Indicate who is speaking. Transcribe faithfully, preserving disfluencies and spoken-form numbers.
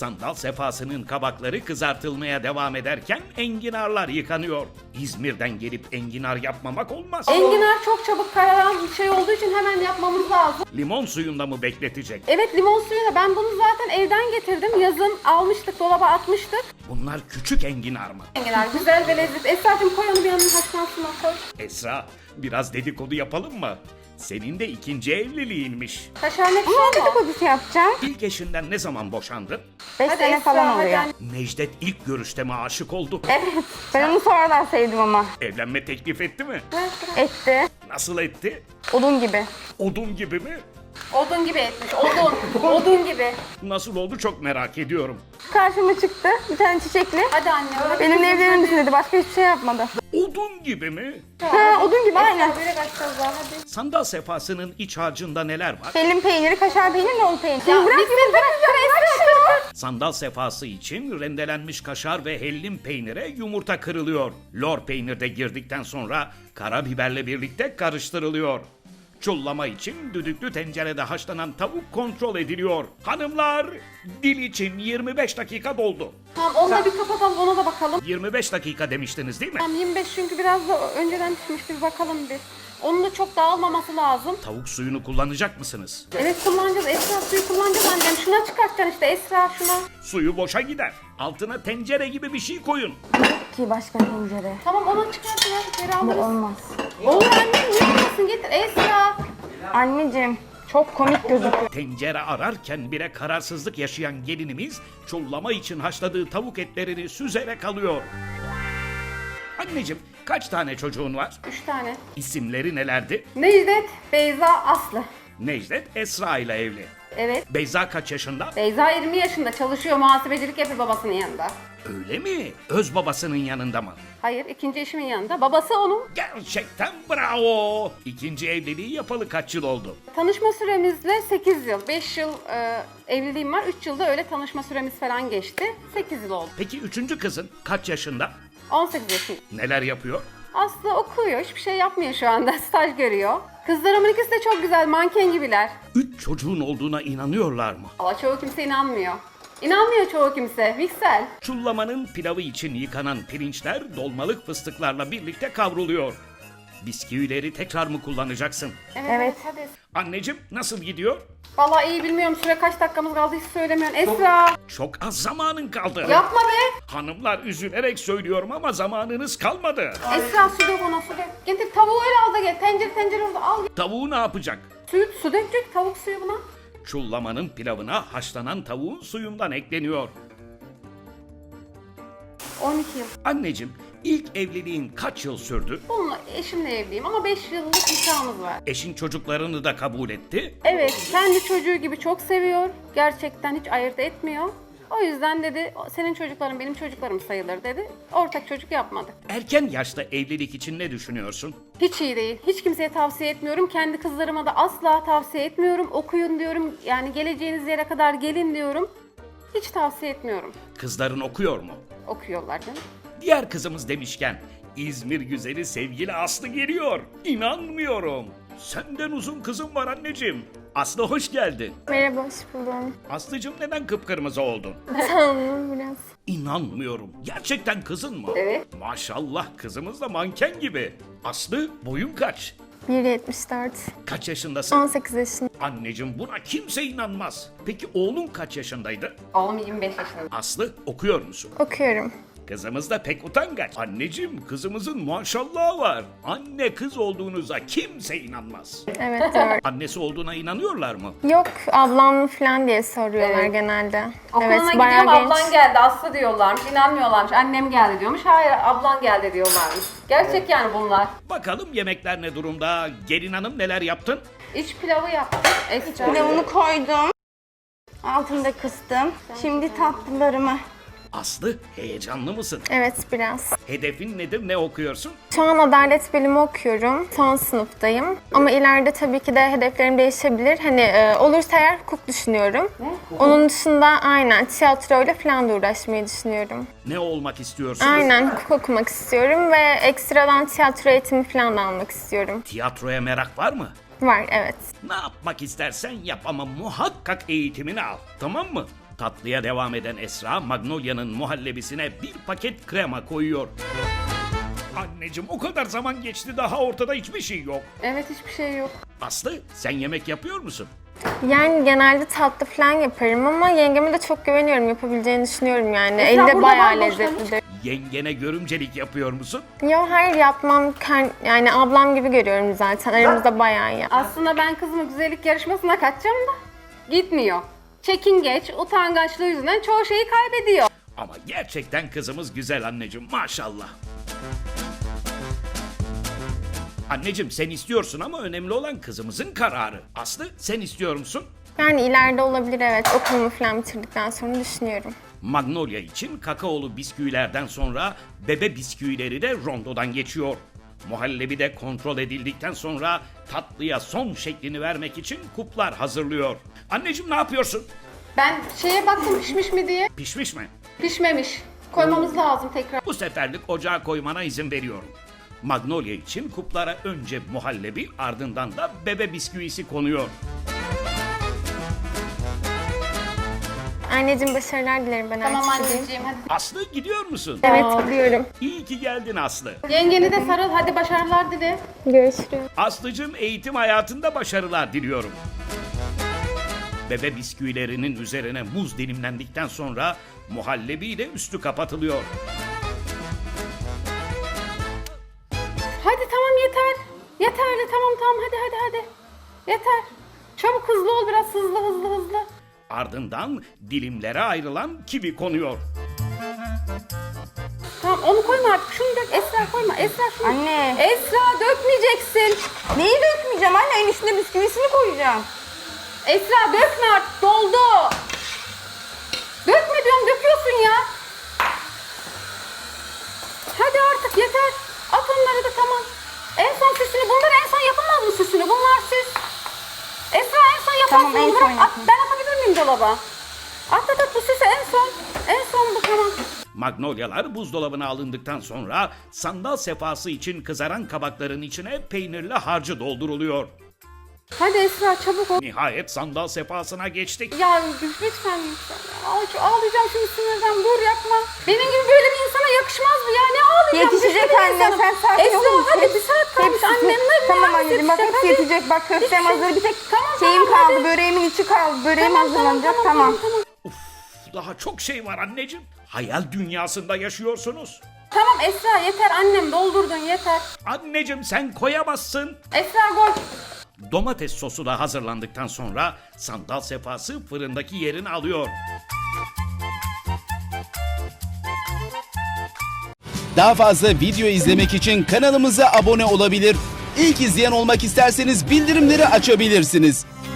Speaker 1: Sandal sefasının kabakları kızartılmaya devam ederken enginarlar yıkanıyor. İzmir'den gelip enginar yapmamak olmaz.
Speaker 2: Enginar çok çabuk kararan bir şey olduğu için hemen yapmamız lazım.
Speaker 1: Limon suyunda mı bekletecek?
Speaker 2: Evet, limon suyuyla. Ben bunu zaten evden getirdim. Yazın almıştık, dolaba atmıştık.
Speaker 1: Bunlar küçük enginar mı?
Speaker 2: Enginar güzel ve lezzetli. Esra'cığım koy onu bir yanına, haşlansın o, koy.
Speaker 1: Esra, biraz dedikodu yapalım mı? Senin de ikinci evliliğinmiş.
Speaker 2: Kaşar ne
Speaker 3: Ama
Speaker 2: pişiyor mu?
Speaker 3: dedikodusu yapacağım.
Speaker 1: İlk eşinden ne zaman boşandın?
Speaker 3: beş
Speaker 2: Hadi
Speaker 3: sene
Speaker 2: Esra,
Speaker 3: falan
Speaker 2: hadi
Speaker 3: oluyor.
Speaker 2: anne.
Speaker 1: Necdet ilk görüşte mi aşık oldu?
Speaker 3: Evet. Ben onu sonradan sevdim ama.
Speaker 1: Evlenme teklif etti mi?
Speaker 3: Etti.
Speaker 1: Nasıl etti?
Speaker 3: Odun gibi.
Speaker 1: Odun gibi mi?
Speaker 2: Odun gibi etmiş, odun. Odun gibi.
Speaker 1: Nasıl oldu çok merak ediyorum.
Speaker 3: Karşıma çıktı. Bir tane çiçekli.
Speaker 2: Hadi anne. hadi.
Speaker 3: Benimle evlenir misin dedi. Başka hiçbir şey yapmadı.
Speaker 1: Odun gibi mi?
Speaker 3: Ha, odun gibi aynen.
Speaker 2: Esra böyle kaçacağız daha, hadi.
Speaker 1: Sandal sefasının iç harcında neler var?
Speaker 3: Hellim peyniri, kaşar peyniri, lol peyniri. Şimdi bırak
Speaker 2: Mikser,
Speaker 3: beni, bırak bırak bırak.
Speaker 1: Sandal sefası için rendelenmiş kaşar ve hellim peynire yumurta kırılıyor. Lor peynir de girdikten sonra karabiberle birlikte karıştırılıyor. Çullama için düdüklü tencerede haşlanan tavuk kontrol ediliyor. Hanımlar, dil için yirmi beş dakika doldu.
Speaker 2: Tamam, onu da bir kapatalım, ona da bakalım.
Speaker 1: yirmi beş dakika demiştiniz değil mi?
Speaker 2: Tamam, yirmi beş çünkü biraz da önceden pişmişti, bir bakalım bir. Onun da çok dağılmaması lazım.
Speaker 1: Tavuk suyunu kullanacak mısınız?
Speaker 2: Evet, kullanacağız. Esra suyu kullanacağız annem. Şuna çıkartacaksın işte Esra, şuna.
Speaker 1: Suyu boşa gider. Altına tencere gibi bir şey koyun.
Speaker 3: Ki başka tencere.
Speaker 2: Tamam, onu çıkartın ya. Geri
Speaker 3: Bu
Speaker 2: alırız.
Speaker 3: olmaz.
Speaker 2: Olur annem, niye olmasın? Getir Esra.
Speaker 3: Anneciğim çok komik gözüküyor.
Speaker 1: Tencere ararken bile kararsızlık yaşayan gelinimiz çullama için haşladığı tavuk etlerini süzerek alıyor. Anneciğim, kaç tane çocuğun var?
Speaker 2: Üç tane.
Speaker 1: İsimleri nelerdi?
Speaker 2: Necdet, Beyza, Aslı.
Speaker 1: Necdet Esra ile evli.
Speaker 2: Evet.
Speaker 1: Beyza kaç yaşında?
Speaker 2: Beyza yirmi yaşında, çalışıyor, muhasebecilik yapıyor babasının yanında.
Speaker 1: Öyle mi? Öz babasının yanında mı?
Speaker 2: Hayır, ikinci eşimin yanında. Babası onun.
Speaker 1: Gerçekten bravo. İkinci evliliği yapalı kaç yıl oldu?
Speaker 2: Tanışma süremizle sekiz yıl. beş yıl e, evliliğim var. üç yılda öyle tanışma süremiz falan geçti. sekiz yıl oldu.
Speaker 1: Peki üçüncü kızın kaç yaşında?
Speaker 2: on sekiz yaşında.
Speaker 1: Neler yapıyor?
Speaker 2: Aslı okuyor. Hiçbir şey yapmıyor şu anda. Staj görüyor. Kızlarımın ikisi de çok güzel. Manken gibiler.
Speaker 1: Üç çocuğun olduğuna inanıyorlar mı?
Speaker 2: Ama çoğu kimse inanmıyor. İnanmıyor çoğu kimse. Viksel.
Speaker 1: Çullamanın pilavı için yıkanan pirinçler dolmalık fıstıklarla birlikte kavruluyor. Bisküvileri tekrar mı kullanacaksın?
Speaker 3: Evet.
Speaker 2: Hadi.
Speaker 1: Anneciğim nasıl gidiyor?
Speaker 2: Vallahi iyi, bilmiyorum. Süre kaç dakikamız kaldı hiç söylemiyorsun. Esra.
Speaker 1: Çok az zamanın kaldı.
Speaker 2: Yapma be.
Speaker 1: Hanımlar üzülerek söylüyorum ama zamanınız kalmadı.
Speaker 2: Esra, su dök ona, su dök. Getir tavuğu öyle al da gel. Tencere tencere orada al.
Speaker 1: Tavuğu ne yapacak?
Speaker 2: Suyu, su dök dök. Tavuk suyu buna.
Speaker 1: Çullamanın pilavına haşlanan tavuğun suyundan ekleniyor.
Speaker 2: on iki yıl.
Speaker 1: Anneciğim, ilk evliliğin kaç yıl sürdü?
Speaker 2: Bununla eşimle evliyim ama beş yıllık nikahımız var.
Speaker 1: Eşin çocuklarını da kabul etti.
Speaker 2: Evet, kendi çocuğu gibi çok seviyor. Gerçekten hiç ayırt etmiyor. O yüzden dedi, senin çocukların benim çocuklarım sayılır dedi. Ortak çocuk yapmadık.
Speaker 1: Erken yaşta evlilik için ne düşünüyorsun?
Speaker 2: Hiç iyi değil. Hiç kimseye tavsiye etmiyorum. Kendi kızlarıma da asla tavsiye etmiyorum. Okuyun diyorum. Yani geleceğiniz yere kadar gelin diyorum. Hiç tavsiye etmiyorum.
Speaker 1: Kızların okuyor mu?
Speaker 2: Okuyorlar canım.
Speaker 1: Diğer kızımız demişken İzmir güzeli sevgili Aslı geliyor. İnanmıyorum. Senden uzun kızım var anneciğim. Aslı hoş geldin.
Speaker 3: Merhaba, hoş buldum.
Speaker 1: Aslıcığım neden kıpkırmızı oldun?
Speaker 3: Sandım biraz.
Speaker 1: İnanmıyorum. Gerçekten kızın mı?
Speaker 2: Evet.
Speaker 1: Maşallah kızımız da manken gibi. Aslı boyun kaç?
Speaker 3: bir yetmiş dört.
Speaker 1: Kaç yaşındasın?
Speaker 3: on sekiz yaşında.
Speaker 1: Anneciğim buna kimse inanmaz. Peki oğlun kaç yaşındaydı?
Speaker 2: Oğlum yirmi beş yaşında.
Speaker 1: Aslı okuyor musun?
Speaker 3: Okuyorum.
Speaker 1: Kızımız da pek utangaç. Anneciğim kızımızın maşallahı var. Anne kız olduğunuza kimse inanmaz.
Speaker 3: Evet, doğru.
Speaker 1: Annesi olduğuna inanıyorlar mı?
Speaker 3: Yok, ablam mı falan diye soruyorlar
Speaker 2: Evet.
Speaker 3: genelde.
Speaker 2: Okuluna
Speaker 3: evet,
Speaker 2: gidiyorum, ablan geldi, Aslı diyorlarmış, inanmıyorlarmış. Annem geldi diyormuş, hayır ablan geldi diyorlarmış. Gerçek yani bunlar.
Speaker 1: Bakalım yemekler ne durumda? Gelin hanım neler yaptın?
Speaker 2: İç pilavı yaptık. Esra.
Speaker 3: Pilavını koydum. Altını da kıstım. Şimdi tatlılarımı.
Speaker 1: Aslı heyecanlı mısın?
Speaker 3: Evet, biraz.
Speaker 1: Hedefin nedir? Ne okuyorsun?
Speaker 3: Şu an adalet bilimi okuyorum. Son sınıftayım. Ama ileride tabii ki de hedeflerim değişebilir. Hani e, olursa eğer hukuk düşünüyorum. Onun dışında aynen tiyatroyla falan da uğraşmayı düşünüyorum.
Speaker 1: Ne olmak istiyorsun?
Speaker 3: Aynen hukuk okumak istiyorum ve ekstradan tiyatro eğitimi falan da almak istiyorum.
Speaker 1: Tiyatroya merak var mı?
Speaker 3: Var, evet.
Speaker 1: Ne yapmak istersen yap ama muhakkak eğitimini al. Tamam mı? Tatlıya devam eden Esra, Magnolia'nın muhallebisine bir paket krema koyuyor. Anneciğim o kadar zaman geçti daha ortada hiçbir şey yok.
Speaker 2: Evet, hiçbir şey yok.
Speaker 1: Aslı sen yemek yapıyor musun?
Speaker 3: Yani genelde tatlı falan yaparım ama yengeme de çok güveniyorum, yapabileceğini düşünüyorum yani.
Speaker 2: Esra
Speaker 3: Eli de
Speaker 2: burada
Speaker 3: bayağı
Speaker 2: var, boşlamış.
Speaker 3: lezzetlidir.
Speaker 1: Yengene görümcelik yapıyor musun?
Speaker 3: Yo, hayır yapmam. Ken- Yani ablam gibi görüyorum zaten. Aramızda bayağı iyi.
Speaker 2: Aslında ben kızımı güzellik yarışmasına kaçacağım da gitmiyor. Çekingeç, utangaçlığı yüzünden çoğu şeyi kaybediyor.
Speaker 1: Ama gerçekten kızımız güzel anneciğim maşallah. Anneciğim sen istiyorsun ama önemli olan kızımızın kararı. Aslı sen istiyor musun?
Speaker 3: Yani ileride olabilir, evet. Okulumu falan bitirdikten sonra düşünüyorum.
Speaker 1: Magnolia için kakaolu bisküvilerden sonra bebe bisküvileri de rondodan geçiyor. Muhallebi de kontrol edildikten sonra tatlıya son şeklini vermek için kuplar hazırlıyor. Anneciğim ne yapıyorsun?
Speaker 2: Ben şeye baktım pişmiş mi diye.
Speaker 1: Pişmiş mi?
Speaker 2: Pişmemiş. Koymamız lazım tekrar.
Speaker 1: Bu seferlik ocağa koymana izin veriyorum. Magnolia için kuplara önce muhallebi ardından da bebe bisküvisi konuyor.
Speaker 3: Anneciğim başarılar dilerim, ben
Speaker 2: Tamam
Speaker 3: artık gideyim.
Speaker 2: anneciğim hadi.
Speaker 1: Aslı gidiyor musun?
Speaker 3: Evet, gidiyorum.
Speaker 1: İyi ki geldin Aslı.
Speaker 2: Yengeni de sarıl, hadi başarılar dile.
Speaker 3: Görüşürüz.
Speaker 1: Aslıcığım eğitim hayatında başarılar diliyorum. Bebe bisküvilerinin üzerine muz dilimlendikten sonra muhallebiyle üstü kapatılıyor.
Speaker 2: Hadi tamam yeter. Yeterli tamam tamam hadi hadi hadi. Yeter. Çabuk hızlı ol biraz hızlı hızlı hızlı.
Speaker 1: Ardından dilimlere ayrılan kivi konuyor.
Speaker 2: Tamam onu koyma artık şunu dök. Esra koyma Esra şunu.
Speaker 4: Anne.
Speaker 2: Esra dökmeyeceksin.
Speaker 4: Neyi dökmeyeceğim anne? En üstüne bisküvisini koyacağım.
Speaker 2: Esra dökme artık doldu. Dökme diyorum döküyorsun ya. Hadi artık yeter. At onları da tamam. En son süsünü bunlar en son yapamaz mı süsünü? Bunlar süs. Esra en son yaparsın.
Speaker 4: Tamam, en
Speaker 2: bırak.
Speaker 4: son
Speaker 2: At,
Speaker 4: yapayım.
Speaker 2: ben atabilir miyim dolaba? At at at bu süsü en son. En son bu tamam.
Speaker 1: Magnolyalar buzdolabına alındıktan sonra sandal sefası için kızaran kabakların içine peynirli harcı dolduruluyor.
Speaker 2: Hadi Esra çabuk ol.
Speaker 1: Nihayet sandal sefasına geçtik.
Speaker 2: Ya lütfen lütfen. Ağ- Ağlayacağım şimdi sinirden. Dur yapma. Benim gibi böyle bir insana yakışmaz bu ya. Ne ağlayacağım?
Speaker 4: Yetişecek
Speaker 2: Güçlü bir
Speaker 4: anne,
Speaker 2: insanım.
Speaker 4: sen sakin
Speaker 2: Esra
Speaker 4: olur musun?
Speaker 2: hadi bir saat kalmış.
Speaker 4: Hepsi-
Speaker 2: Annem ne?
Speaker 4: Tamam
Speaker 2: ne
Speaker 4: anneciğim bak
Speaker 2: yetişecek?
Speaker 4: hepsi
Speaker 2: Hadi.
Speaker 4: yetecek. Bak köftem
Speaker 2: Hiçbir şey-
Speaker 4: hazır. Bir tek
Speaker 2: Tamam,
Speaker 4: şeyim
Speaker 2: tamam,
Speaker 4: kaldı.
Speaker 2: hadi.
Speaker 4: Böreğimin içi kaldı. Böreğim
Speaker 2: Tamam,
Speaker 4: hazırlanacak.
Speaker 2: tamam,
Speaker 4: Tamam.
Speaker 2: tamam.
Speaker 1: Uf, daha çok şey var anneciğim. Hayal dünyasında yaşıyorsunuz.
Speaker 2: Tamam Esra yeter annem doldurdun yeter.
Speaker 1: Anneciğim sen koyamazsın.
Speaker 2: Esra gol.
Speaker 1: Domates sosu da hazırlandıktan sonra sandal sefası fırındaki yerini alıyor.
Speaker 5: Daha fazla video izlemek için kanalımıza abone olabilir. İlk izleyen olmak isterseniz bildirimleri açabilirsiniz.